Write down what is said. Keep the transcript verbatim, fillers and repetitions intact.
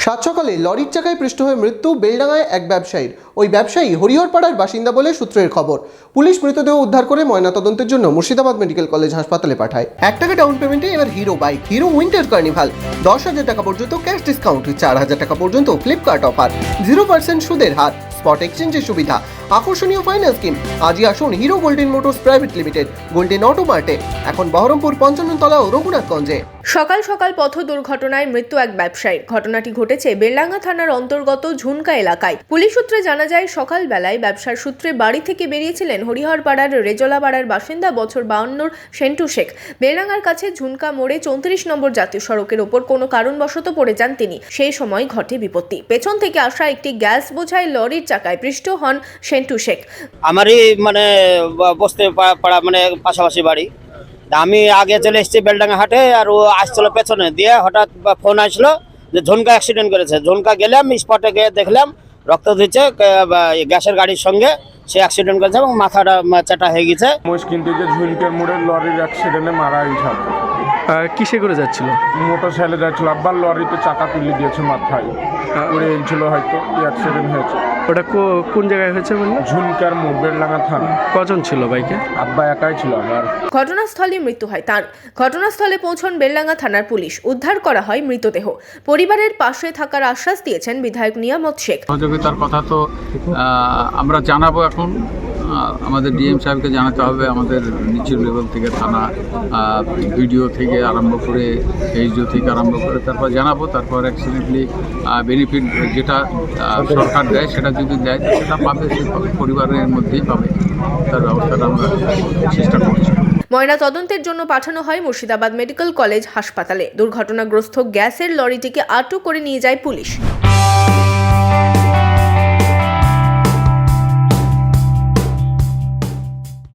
সাত সকালে লরির চাকায় পৃষ্ঠ হয়ে মৃত্যু বেলডাঙায় এক ব্যবসায়ীর। ওই ব্যবসায়ী হরিহরপাড়ার বাসিন্দা বলে সূত্রের খবর। পুলিশ মৃতদেহ উদ্ধার করে ময়নাতদন্তের জন্য মুর্শিদাবাদ মেডিকেল কলেজ হাসপাতালে পাঠায়। এক টাকা ডাউন পেমেন্টে এবার Hero bike, Hero winter carnival. দশ হাজার টাকা পর্যন্ত ক্যাশ ডিসকাউন্ট, চার হাজার টাকা পর্যন্ত ফ্লিপকার্ট অফার, জিরো পার্সেন্ট সুদের হার, স্পট এক্সচেঞ্জের সুবিধা, আকর্ষণীয় ফাইন্যান্স স্কিম। আজই আসুন Hero golden motors private limited, golden auto মার্টে, এখন বহরমপুর পঞ্চান্ন তলা ও রঘুনাথগঞ্জে। সকাল সকাল পথ দুর্ঘটনায় মৃত্যু এক ব্যবসায়ীর। ঘটনাটি ঘটেছে বেলডাঙ্গা থানার অন্তর্গত ঝুনকা এলাকায়। পুলিশ সূত্রে জানা যায়, সকালবেলায় ব্যবসার সূত্রে বাড়ি থেকে বেরিয়েছিলেন হরিহরপাড়ার রেজলাপাড়ার বাসিন্দা বছর বাউন্নর সেন্টু শেখ। বেলডাঙ্গার কাছে ঝুনকা মোড়ে চৌত্রিশ নম্বর জাতীয় সড়কের ওপর কোনো কারণবশত পড়ে যান তিনি। সেই সময় ঘটে বিপত্তি। পেছন থেকে আসা একটি গ্যাস বোঝাই লরির চাকায় পৃষ্ঠ হন সেন্টু শেখ। আমারই মানে বসতে পাড়া মানে পাশাপাশি বাড়ি। আমি আগে চলে এসেছি বেলডাঙ্গা হাটে, আর ও আসছিল পেছনে দিয়ে। হঠাৎ ফোন আসলো যে ঝুনকা অ্যাক্সিডেন্ট করেছে। ঝুনকা গেলাম, স্পটে গিয়ে দেখলাম রক্ত দিচ্ছে গ্যাসের গাড়ির সঙ্গে। সে অ্যাক্সিডেন্ট করেছে এবং মাথাটা চাটা হয়ে গেছে। মুশকিল থেকে ঝুনকার মোড়ে লরির অ্যাক্সিডেন্টে মারা গেছে। কিসে করে যাচ্ছিল? মোটর সাইকেলে যাচ্ছিল, আবার লরিতে চাকা তুলে দিয়েছে, মাথায় পড়ে গেছিল, হয়তো অ্যাক্সিডেন্ট হয়েছে। ওটা কোন জায়গায় হয়েছে বললেন? ঝুনকার মোড়, বেলডাঙ্গা থানা। কজন ছিল বাইকে? আব্বা একাই ছিল আমার। ঘটনাস্থলে মৃত্যু হয় তার। ঘটনাস্থলে পৌঁছন বেলডাঙ্গা থানার পুলিশ। উদ্ধার করা হয় মৃতদেহ। পরিবারের পাশে থাকার আশ্বাস দিয়েছেন বিধায়ক নিয়ামত শেখ। সহযোগিতার কথা তো আমরা জানাবো, এখন আমাদের ডিএম সাহেবকে জানাতে হবে, আমাদের নিচু লেভেল থেকে থানা, ভিডিও থেকে আরম্ভ করে এইচডিও থেকে আরম্ভ করে তারপর জানাবো। তারপর অ্যাক্সিডেন্টলি বেনিফিট যেটা সরকার দেয় সেটা যদি দেয় সেটা পাবে, সে পরিবারের মধ্যেই পাবে। তার ব্যবস্থাটা আমরা চেষ্টা করছি। ময়না তদন্তের জন্য পাঠানো হয় মুর্শিদাবাদ মেডিকেল কলেজ হাসপাতালে। দুর্ঘটনাগ্রস্ত গ্যাসের লরিটিকে আটক করে নিয়ে যায় পুলিশ।